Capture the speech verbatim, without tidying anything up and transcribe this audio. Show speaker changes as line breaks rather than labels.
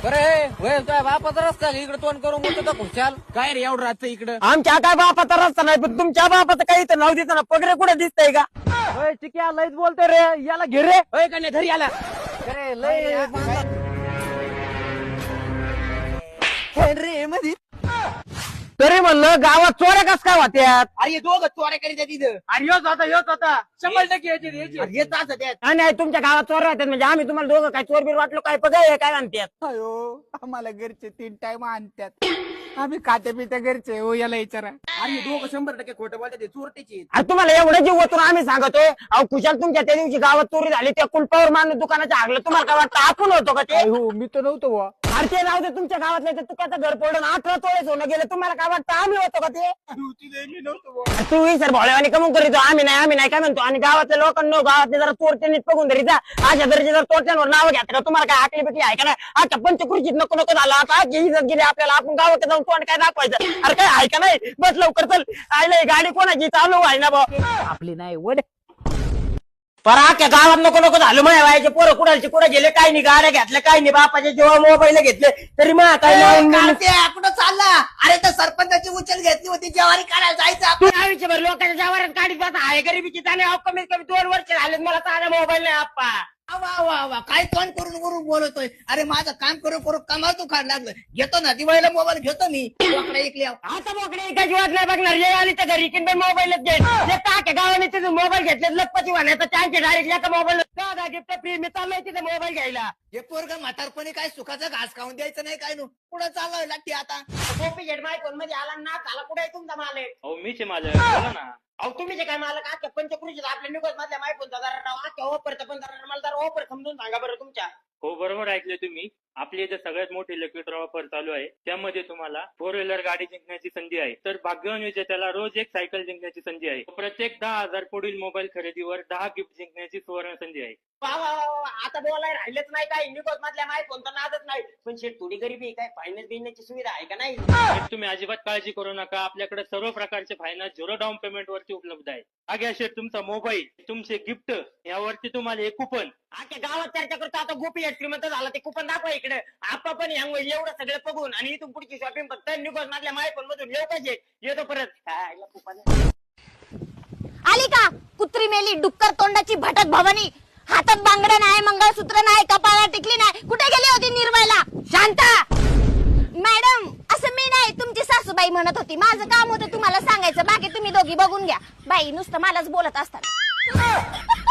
बरे वय तुझ्या बापाचा रस्ता इकडे तोंड करून बोलतो का खुशाल काय रे एवढं राहतं इकडं
आमच्या काय बापाचा रस्ता नाही पण तुमच्या बापाचं काही इथं नाव देतं ना पगडे कुठे दिसतंय का
होय चिक्या लयच बोलतोय रे याला घे रे होय का नाही घरी आला अरे लय रे मध्ये
तरी म्हणलं गावात चोऱ्या कस काय होत्यात
अरे दोघं चोऱ्या करीत आहे तिथं अरे योच होता योच होता शंभर टक्के यायचे यायचे येत असं त्यात
नाही नाही तुमच्या गावात चोऱ्या होत्यात म्हणजे आम्ही तुम्हाला दोघं काय चोर बीर वाटलो काय पगाय काय म्हणतात
अयो आम्हाला घरचे तीन टाइम आणतात आम्ही खाते पित्या घरचे हो याला विचारा अरे दोघं शंभर टक्के खोटं बोलतात ते चोरटेचे
अरे तुम्हाला एवढं जीव ओतून आम्ही सांगतोय अहो कुशाल तुमच्या त्या दिवशी गावात चोरी झाली त्या कुलपावर मारून दुकानाच्या आगलं तुम्हाला काय वाटतं आपण होतो का ते
हो मी तर नव्हतो बुवा
अरे ते राहू दे तुमच्या गावातले ते तुकाचं घर पडून अठरा तोळे सोनं गेलं तुम्हाला काय वाटतं आम्ही होतो का ते
मी नव्हतो बुवा
तू सर भोळ्यावानी कमून करीतो आम्ही नाही आम्ही नाही काय म्हणतो आणि गावातल्या लोकांना गावातले जरा चोरटे नीट बघून तरी जा अशा दर्जे जर चोरट्यांवर नाव घ्या का तुम्हाला काय आकली बिकली आहे का नाही आता पंचकृषीत नको नको झालं आता आजची इज्जत गेली आपल्याला आपण गावात जाऊन तोंड काय दाखवायचं अरे काय आहे का नाही बस लवकर चल आयला गाडी कोणाची चालू आहे ना भाऊ
आपली नाही वड
पर आख्या गावात नको नको झालं माझ्या व्हायचे पोरं कुणाचे कुठे गेले काय नाही गाड्या घेतल्या काय नाही बापाचे जेव्हा मोबाईल घेतले तरी मग काय
कुठं चालला अरे तर सरपंचाची उचल घेतली होती ज्वारी काढायला जायचं
तू आयुष्यभर लोकांच्या जवारात काढीत बसा आहे गरिबीची त्याने कमीत कमी दोन वर्ष झाले मला साधा मोबाईल नाही आप्पा
वा वा वा काय तोंड करून करून बोलतोय अरे माझं काम करू करू कमाल तू खाड लागलं घेतो ना दिवाळीला मोबाईल घेतो मी बोकडे ऐकले
आता मोकळे एका जीवात नाही बघणार ये आली तर घरी की मोबाईलच घेईल जे टाक्या गावाने तिथे मोबाईल घेतले लखपती वाण्याचा चान्स डायरेक्ट एका मोबाईल गिफ्ट फ्री मी चाललोय तिथे मोबाईल घ्यायला
हे पोरग म्हातारपणी काय सुखाचा घास खाऊन द्यायचं नाही काय नु पुढे चाललोय लागते आता
कॉपी घेट माय फोन मध्ये आला ना आला कुठे आहे तुमचा मालक
अहो मीच आहे माझं बोला ना
अहो तुम्ही जे काय मालक आजच्या पंचकृषीत आपल्या निघत मधल्या माय फोनचा जरा नाव आजच्या ऑफरचा पण जरा मला जरा ऑफर समजून सांगा बरं तुमच्या
हो बरोबर ऐकले तुम्ही आपली इथे सगळ्यात मोठी इलेक्ट्रिक ऑफर चालू आहे त्यामध्ये तुम्हाला फोर व्हीलर गाडी जिंकण्याची संधी आहे तर भाग्यवान विजेत्याला रोज एक सायकल जिंकण्याची संधी आहे प्रत्येक दहा हजार पुढील मोबाईल खरेदीवर दहा गिफ्ट जिंकण्याची सुवर्ण संधी आहे
वा वा वा आता बोलाय राहिलेच नाही काय निघत मधल्या माय फोनचा नादच नाही पण शेट थोडी गरीबी काय फायनान्स बिनण्याची सुविधा आहे का नाही
तर तुम्ही अजिबात काळजी करू नका आपल्याकडे सर्व प्रकारचे फायनान्स झिरो डाऊन पेमेंट वरती उपलब्ध आहे आगे शेट तुमचा मोबाईल तुमचे गिफ्ट यावरती तुम्हाला एक कुपन
आख्या गावात चर्चा करतो आता गोपी श्रीमंत झाला ते कुपन दाखवा इकडे आपण पण यामुळे एवढं सगळं बघून आणि इथून पुढची शॉपिंग फक्त निघत मधल्या माय फोन मधून येऊ पाहिजे येतो परत कुपन
आली का कुत्री मेली डुक्कर तोंडाची भटक भवानी हातात बांगड्या नाही मंगळसूत्र नाही कपाळाला टिकली नाही कुठे गेली होती निर्मला शांता मॅडम असं मी नाही तुमची सासूबाई म्हणत होती माझं काम होतं तुम्हाला सांगायचं बाकी तुम्ही दोघी बघून घ्या बाई नुसतं मलाच बोलत असतात